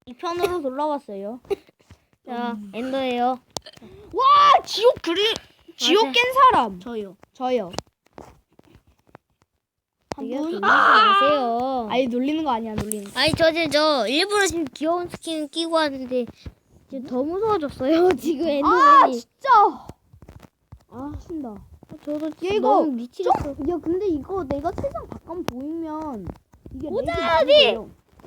2편으로 돌아왔어요. 자, 엔더예요. 와 지옥 지옥 깬 사람. 저요. 저요. 한 되게 분. 놀리지 마세요. 아니 놀리는 거 아니야 놀리는 거. 아니 저 일부러 지금 귀여운 스킨 끼고 왔는데 지금 더 무서워졌어요. 지금 아 엔더맨이. 진짜. 아 신다. 저도 얘 지금 이거 너무 미치겠어. 야 근데 이거 내가 세상 바깥 보이면 이게 오자, 어디?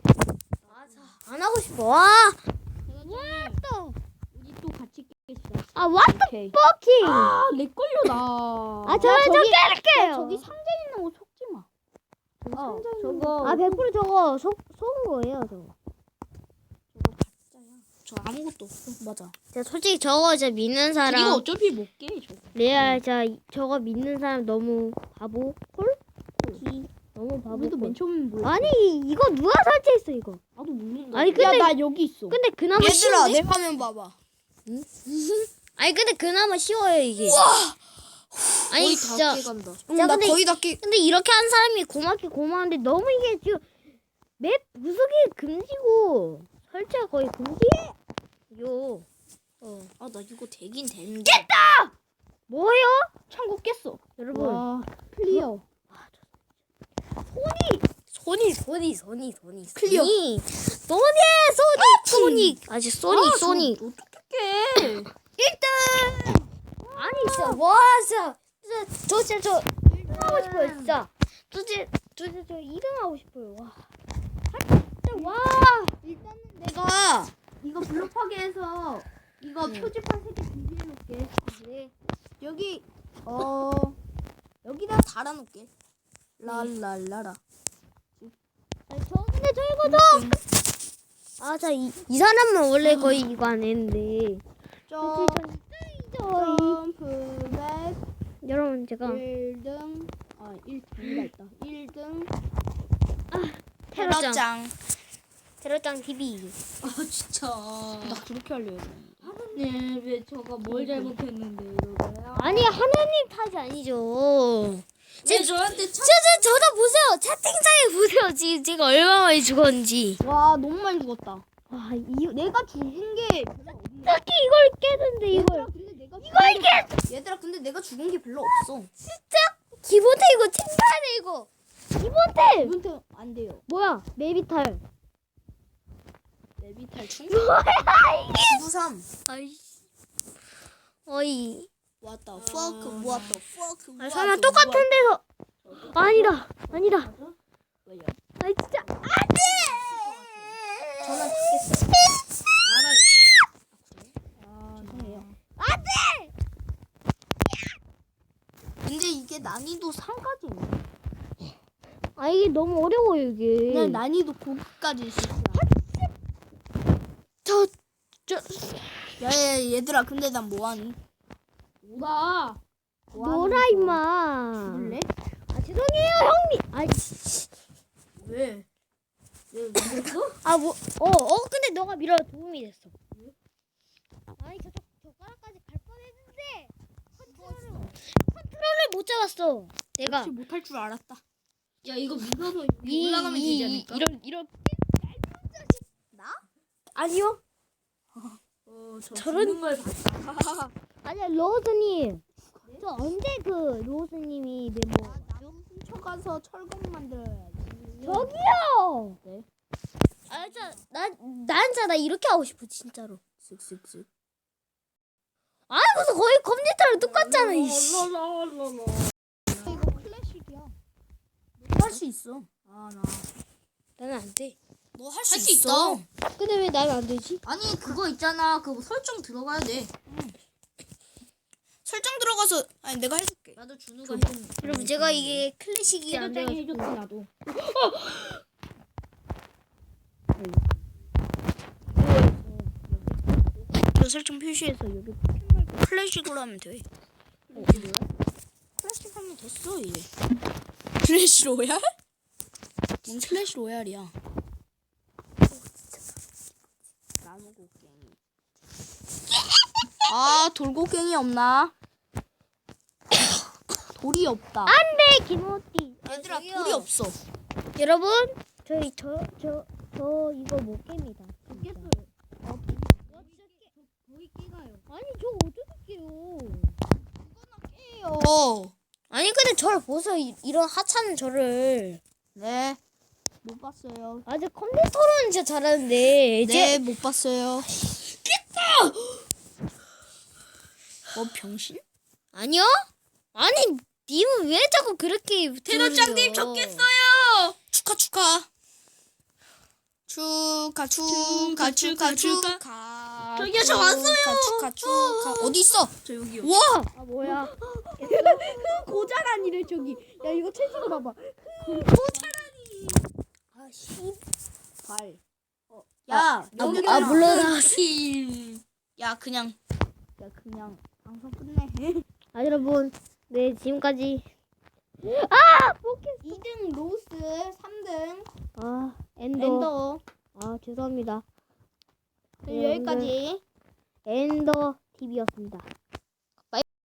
안 하고 싶어. 와. 또. 우리 또 같이 깨시다. 아, what the 오케이. fucking. 아내 걸려 나. 저는 저 야, 깨를게요. 저기 상자 있는 거 속지 마. 저기 상자 있는 저거. 거. 아, 100% 저거 속은 거예요, 저거. 저거 가짜야. 저 아무것도 없어. 맞아. 제가 솔직히 저거 진짜 믿는 사람. 이거 어차피 못 깨. 저거. 레알 저거 믿는 사람 너무 바보. 헐? 너무 바보. 우리도 맨 처음엔 몰라. 아니, 이거 누가 설치했어, 이거? 나도 모른다. 아니, 근데- 야, 나 여기 있어. 근데 그나마 얘들아, 쉬운데? 내 화면 봐봐. 아니, 근데 그나마 쉬워요, 이게. 아니, 진짜. 간다. 나 근데- 거의 다 깨. 근데 이렇게 한 사람이 고맙긴 고마운데 너무 이게 지금 맵 구석이 금지고 설치가 거의 금지예요. 아, 나 이거 되긴 되는데. 뭐예요? 창고 깼어. 여러분. 와, 클리어. 소니. 클리어. 소니. 아직 소니. 어떡해. 아니 진짜 와 진짜 저 1등 하고 싶어요 진짜. 저 2등 하고 싶어요. 와. 진짜 와. 일단은 내가 이거 블록파괴해서 이거 네. 표지판 3개 준비해놓을게. 네. 여기 여기다 달아놓을게. 랄랄라라. 근데 저 이거도 이 사람은 원래 거의 이거 안 했는데 점프백 여러분 제가 1등 1등이가 있다. 1등 테러짱 TV. 아 진짜 나 그렇게 하려고 하느님 왜 제가 뭘 잘못했는데 이러고요. 아니 하나님 탓이 아니죠. 왜 저한테 저도 보세요. 채팅창에 보세요. 지금 제가 얼마나 많이 죽었는지. 와 너무 많이 죽었다. 와 내가 죽은 게 별로 없네. 딱히 이걸 깨는데 이걸. 얘들아 근데 내가 죽은 게 별로 없어. 기본템 이거 챙겨야 돼 이거. 기본템. 이분한테 안 돼요. 뭐야 메비탈. 레비탈 충? 뭐야 이게. 부삼. 아이씨. 어이. What the fuck? What the fuck? 아 설마 똑같은 데서. 아니다. 왜요? 아이 진짜 안돼. 전화 받겠어. 알아요. 죄송해요. 안돼. 근데 이게 난이도 3까지네. 아 이게 너무 어려워요 이게. 그냥 난이도 고급까지 있었어. 저 야야 얘들아 근데 난 뭐하니? 뭐다? 놀아 임마. 죽을래? 아 죄송해요 형님. 아이. 왜? 왜 그랬어? 근데 너가 밀어 도움이 됐어. 아니 저 젓가락까지 갈 뻔했는데 컨트롤을 못 잡았어. 내가 역시 못할 줄 알았다. 야 이거 믿어서 이- 올라가면 되지 않을까? 이런 나? 아니요. 저런 걸 봤다. 아니야 로즈님. 저 언제 그 로즈님이 멤버? 나무 훔쳐가서 철검 만들어야지. 저기요. 네. 아 진짜 나 이렇게 하고 싶어 진짜로. 쓱쓱쓱. 아 무슨 거의 컴퓨터랑 똑같잖아 이씨. 이거 클래식이야. 할 수 있어. 아 나. 나는 안 돼. 너 할 수 있어. 근데 왜 나는 안 되지? 아니 그거 있잖아. 그거 설정 들어가야 돼. 설정 들어가서 아니 내가 해줄게. 나도 준우가 해줬는데. 여러분 제가 이게 클래식이 안 돼가지고. 해줬지 나도. 저 설정 표시해서 여기 클래식으로 하면 돼. 클래식 하면 됐어 이제. 클래식 로얄? 뭔 클래식 로얄이야? 나무곡괭이. 아 돌고갱이 없나? 돌이 없다. 안돼 김호띠. 얘들아 돌이 없어. 여러분 저 이거 못 깹니다. 깼어. 아니 근데 저를 보세요. 이런 하찮은 저를. 네. 못 봤어요. 아직 컴퓨터로는 진짜 잘하는데 이제 네, 못 봤어요. 병신? 아니요? 아니 님은 왜 자꾸 그렇게 테러장님 들으려? 적겠어요. 축하 축하. 축하. 저기요, 저 왔어요. 축하. 어디 있어? 저 여기요. 와! 아 뭐야? 고자란이래 저기. 야 이거 채찍을 봐봐. 아 씨. 발. 야, 물러나왔어. 야, 그냥 야 그냥 방송 끝내. 아 여러분, 네 지금까지 2등 로스, 3등 엔더. 엔더. 아 죄송합니다. 여기까지. 엔더 TV였습니다.